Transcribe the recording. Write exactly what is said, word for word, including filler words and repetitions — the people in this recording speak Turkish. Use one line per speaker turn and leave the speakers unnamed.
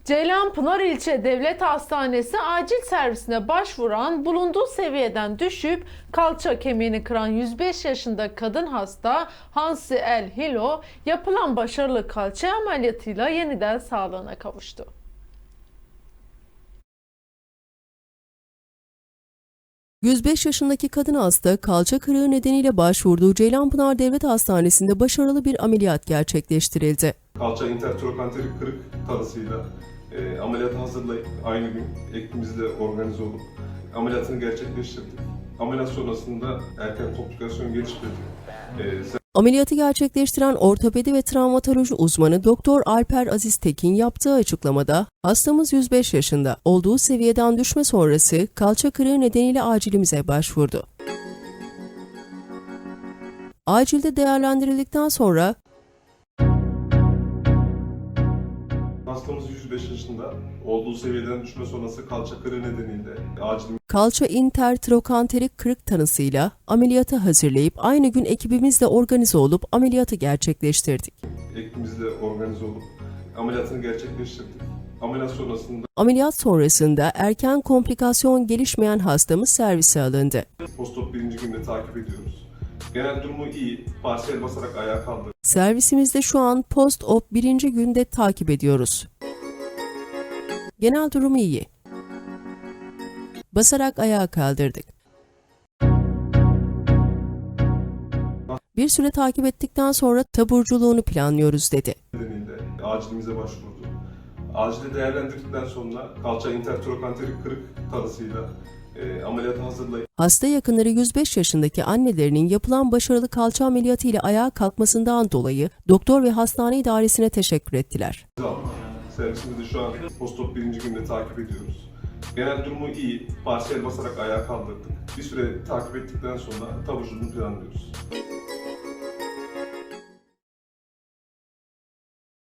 Ceylanpınar İlçe Devlet Hastanesi acil servisine başvuran bulunduğu seviyeden düşüp kalça kemiğini kıran yüz beş yaşında kadın hasta Hansi El Hilo yapılan başarılı kalça ameliyatıyla yeniden sağlığına kavuştu.
yüz beş yaşındaki kadın hasta kalça kırığı nedeniyle başvurduğu Ceylanpınar Devlet Hastanesi'nde başarılı bir ameliyat gerçekleştirildi.
Kalça intertrokanterik kırık tanısıyla e, ameliyata hazırlayıp aynı gün ekibimizle organize olup ameliyatını gerçekleştirdik. Ameliyat sonrasında erken komplikasyon gelişmedi. E,
Ameliyatı gerçekleştiren ortopedi ve travmatoloji uzmanı Doktor Alper Aziz Tekin yaptığı açıklamada, hastamız yüz beş yaşında, olduğu seviyeden düşme sonrası kalça kırığı nedeniyle acilimize başvurdu. Acilde değerlendirildikten sonra
Hastamız yüz beş yaşında, olduğu seviyeden düşme sonrası kalça kırığı nedeniyle acil
kalça intertrokanterik kırık tanısıyla ameliyatı hazırlayıp aynı gün ekibimizle organize olup ameliyatı gerçekleştirdik.
ekibimizle organize olup ameliyatını gerçekleştirdik. Ameliyat sonrasında
Ameliyat sonrasında erken komplikasyon gelişmeyen hastamız servise alındı.
postop birinci günde takip ediyoruz. Genel durumu iyi, parsiyel basarak ayağa kaldırdı.
Servisimizde şu an post-op birinci günde takip ediyoruz. Genel durumu iyi. Basarak ayağa kaldırdık. Bir süre takip ettikten sonra taburculuğunu planlıyoruz dedi.
Nedeniyle acilimize başvurdu. Acilde değerlendirdikten sonra kalça intertrokanterik kırık tanısıyla e, ameliyata hazırlayıp
Hasta yakınları yüz beş yaşındaki annelerinin yapılan başarılı kalça ameliyatı ile ayağa kalkmasından dolayı doktor ve hastane idaresine teşekkür ettiler.
aldık. Servisimizde şu an postop birinci günde takip ediyoruz. Genel durumu iyi, parsiyel basarak ayağa kaldırdık. Bir süre takip ettikten sonra taburculuğunu planlıyoruz.